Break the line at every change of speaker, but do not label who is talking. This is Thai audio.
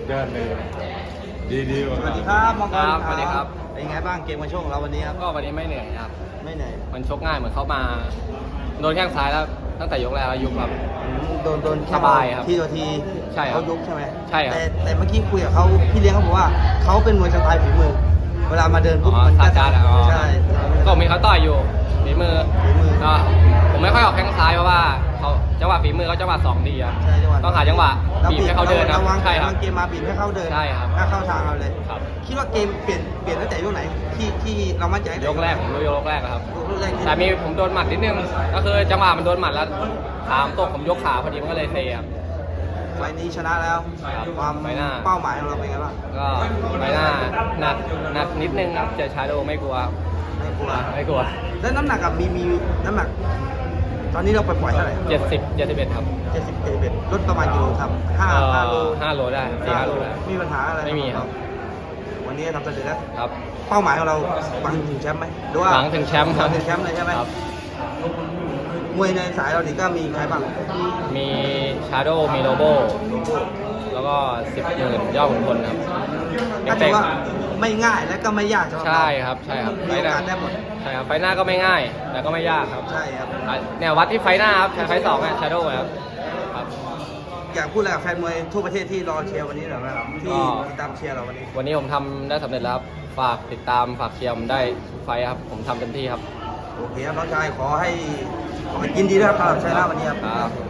ยอดเลยดีๆ
สวัสดีครับมังกร
สวัสดีครับ
เป็นไงบ้างเกมวันโชคของเราวันนี้ครับ
ก็วันนี้ไม่เหนื่อยครับ
ไม่เหนื่อย
มันชกง่ายเหมือนเขามาโดนแข้งซ้ายแล้วตั้งแต่ยกแรกแล้วยุบแบบ
โดนแค่
สบายครับ
ทีต่อที
ใช่ครับ
เขายุบใช่ไหม
ใช่ครับ
แต่เมื่อกี้คุยกับเขาพี่เลี้ยงเขาบอกว่าเขาเป็นมวยสไตล์ฝีมือ เวลามาเดินปุ๊บ
อ๋อ
มัน
ซาจาร์อ๋อ
ใช่
ก็มีเขาต่อยอยู่ฝีมือ
ฝีมือ
ก็ผมไม่ค่อยออกแข้งซ้ายเพราะว่าเขาจังหวะฝีมือเขาจังหวะ2ดีครับ
ใช่จังหวะ
ต้องหาจังหวะบีบให้เขาเดินครับ
ระวัง
ใช่ครับ
เกมมาบีบให้เขาเดิน
ใช่ครับ
ถ้าเข้าทางเราเลย
ครับ
คิดว่าเกมเปลี่ยนตั้งแต่ยกไหนที่เรามั่นใจตั้งแต่
ยกแรกผมดูยกแรกครับ
ยกแรกที่
แต่มีผมโดนหมัดนิดนึงก็คือจังหวะมันโดนหมัดแล้วขามตกผมยกขาพอดีมันก็เลยเซครับ
ไฟล์นี้ชนะแล้ว
ครับ
ความ
ไฟล์หน้า
เป้าหมายของเราเป็นไงบ้าง
ก็ใบหน้าหนักนิดนึงครับเจอชาโดไม่กลัวครับ
ไม่กลัว
ไม่กลัว
แล้วน้ำหนักกับมีน้ำหนัก ตอนนี้เราปล่อยเท่าไหร่
71ครับ
71ลดประมาณกี่โลครับ5 โล
5 โลได้4-5 โลได้
มีปัญหาอะไร
ไม่มีครับ
วันนี้ทำสำเร็จแล้ว
ครับ
เป้าหมายของเราหวังถึงแชมป์ไหมหรือว่า
หวังถึงแชมป์ครับ
หวังถึงแชมป์เลยใช่ไหม
ครับ
มวยในสายเราดิก็มีใครบ้าง
มีชาโดมีโลโบแล้วก็10,000ยอดขุนพลครับ
ก็ถือว่าไม่ง่ายและก็ไม่ยากสำหรับเรา
ใช่ครับใช่ครับ
มีโอกาสได้หมด
ใช่ครับไฟหน้าก็ไม่ง่าย แต่ก็ไม่ยากครับ
ใช่ครับ
เนี่ยวัดที่ไฟหน้าครับไฟสองเนี่ยชาโดครับครับ
อยากพูดอะไรกับแฟนมวยทั่วประเทศที่รอเชียร์วันนี้หน่อยไหมครับที่
ก็
ติดตามเชียร์เราวันนี้
วันนี้ผมทำได้สำเร็จแล้วครับฝากติดตามฝากเชียร์ผมได้ทุกไฟท์ครับผมทำเต็มที่ครับ
โอเคครับน้องชายขอให้ยินดีด้วยครับสำหรับชัยนาทวันนี้ครับ
ครับ